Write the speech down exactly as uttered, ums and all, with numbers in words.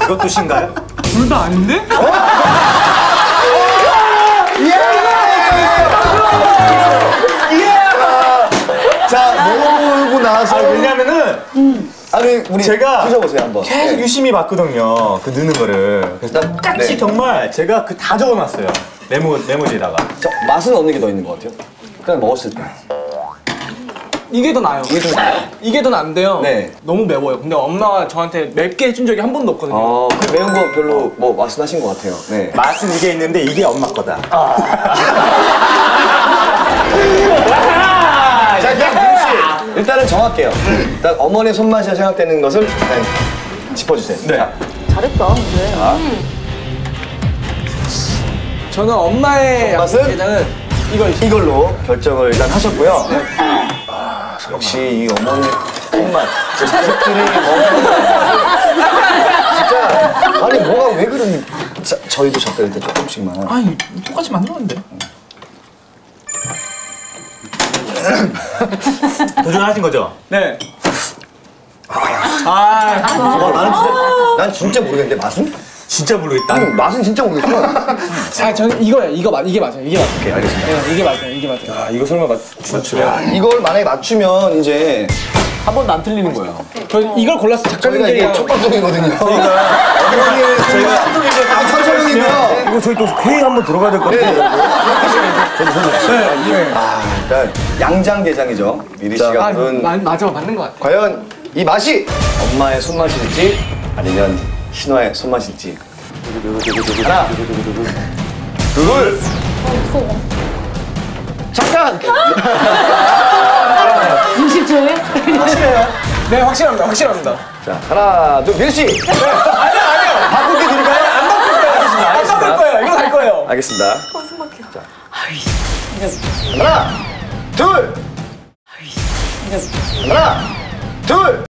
이것도 신가요? 둘 다 아닌데? 자, 모으고 나서. 아, 왜냐면은 음. 아니, 우리 제가 드셔보세요, 한번. 계속 네. 유심히 봤거든요. 그 넣는 거를. 그래서 똑같이 네. 정말 제가 그 다 적어놨어요. 메모, 메모지에다가. 저, 맛은 어느 게 더 있는 것 같아요? 그냥 먹었을 때. 이게 더 나아요. 이게 좀 나아요? 이게 더 나은데요. 네. 너무 매워요. 근데 엄마가 저한테 맵게 해준 적이 한 번도 없거든요. 어, 그 매운 거 별로 뭐 말씀하신 것 같아요. 네. 맛은 이게 있는데 이게 엄마 거다. 자, 그럼 민씨 일단은 정할게요. 일단 어머니의 손맛이 생각되는 것을 일단 짚어주세요. 네. 자, 잘했다, 근데. 저는 엄마의 맛은? 양념게장은 이거 이걸로 결정을 일단 하셨고요. 아, 역시 이 어머니 손맛. 제 자식들이 먹는 진짜 아니 뭐가 왜 그러니? 자, 저희도 젓갈 때 조금씩만. 아니 똑같이 만들었는데. 도전하신 거죠? 네. 아, 와, 나는 진짜 난 진짜 모르겠는데 맛은? 진짜 모르겠다. 나는 맛은 진짜 모르겠어. 아 저는 이거예요. 이거 맞, 이게 맞아요. 이게 맞아요. 오케이, 알겠습니다. 네, 이게 맞아요. 이게 맞아요. 아, 이거 설마 맞, 맞추면? 이걸 만약에 맞추면 이제 한 번도 안 틀리는 거예요. 저 이걸 골라서 저희가 작가님들이랑 이게 첫 방송이거든요. 어머니의 저희가 아, 천천히고요. 이거 저희 또 회의 한번 들어가야 될 것 같아요. 아, 일단 양장게장이죠. 미리 씨가 아, 부른 마, 맞아 맞는 것 같아. 과연 이 맛이 엄마의 손맛일지 아니면 신화의 손맛일지. 하나, 둘, 잠깐. 음식 중에? 확실해요? 네 확실합니다. 확실합니다. 자, 하나, 둘, 민씨. 아니요 아니요. 바꾸게 드릴까요? 안 바꿀 거예요. 안 바꿀 거예요. 이거 갈 거예요. 알겠습니다. 자, 하나, 둘. 하나, 둘.